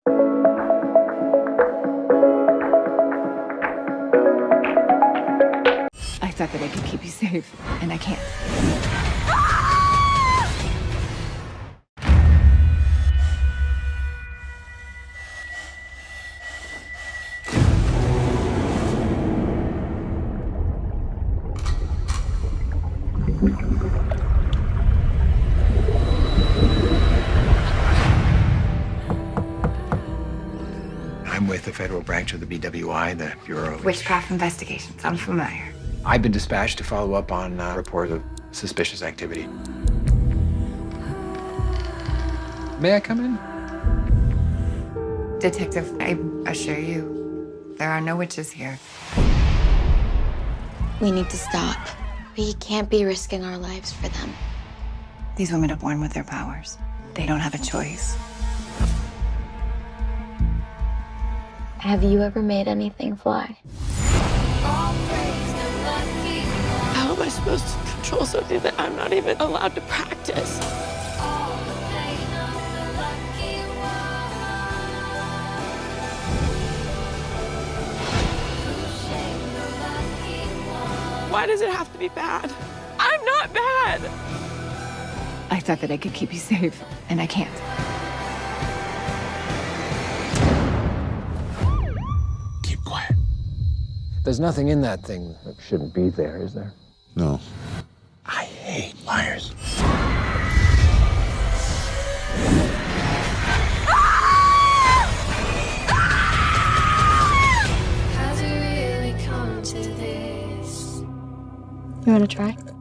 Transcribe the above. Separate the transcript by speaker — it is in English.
Speaker 1: I thought that I could keep you safe, and I can't.
Speaker 2: I'm with the federal branch of the BWI, the Bureau of
Speaker 1: Witchcraft investigations. I'm familiar.
Speaker 2: I've been dispatched to follow up on reports of suspicious activity. May I come in?
Speaker 1: Detective, I assure you, there are no witches here.
Speaker 3: We need to stop. We can't be risking our lives for them.
Speaker 1: These women are born with their powers. They don't have a choice.
Speaker 3: Have you ever made anything fly?
Speaker 4: How am I supposed to control something that I'm not even allowed to practice? Why does it have to be bad? I'm not bad.
Speaker 1: I thought that I could keep you safe, and I can't.
Speaker 2: Keep quiet. There's nothing in that thing that shouldn't be there, is there?
Speaker 5: No.
Speaker 2: I hate liars.
Speaker 3: You want to try?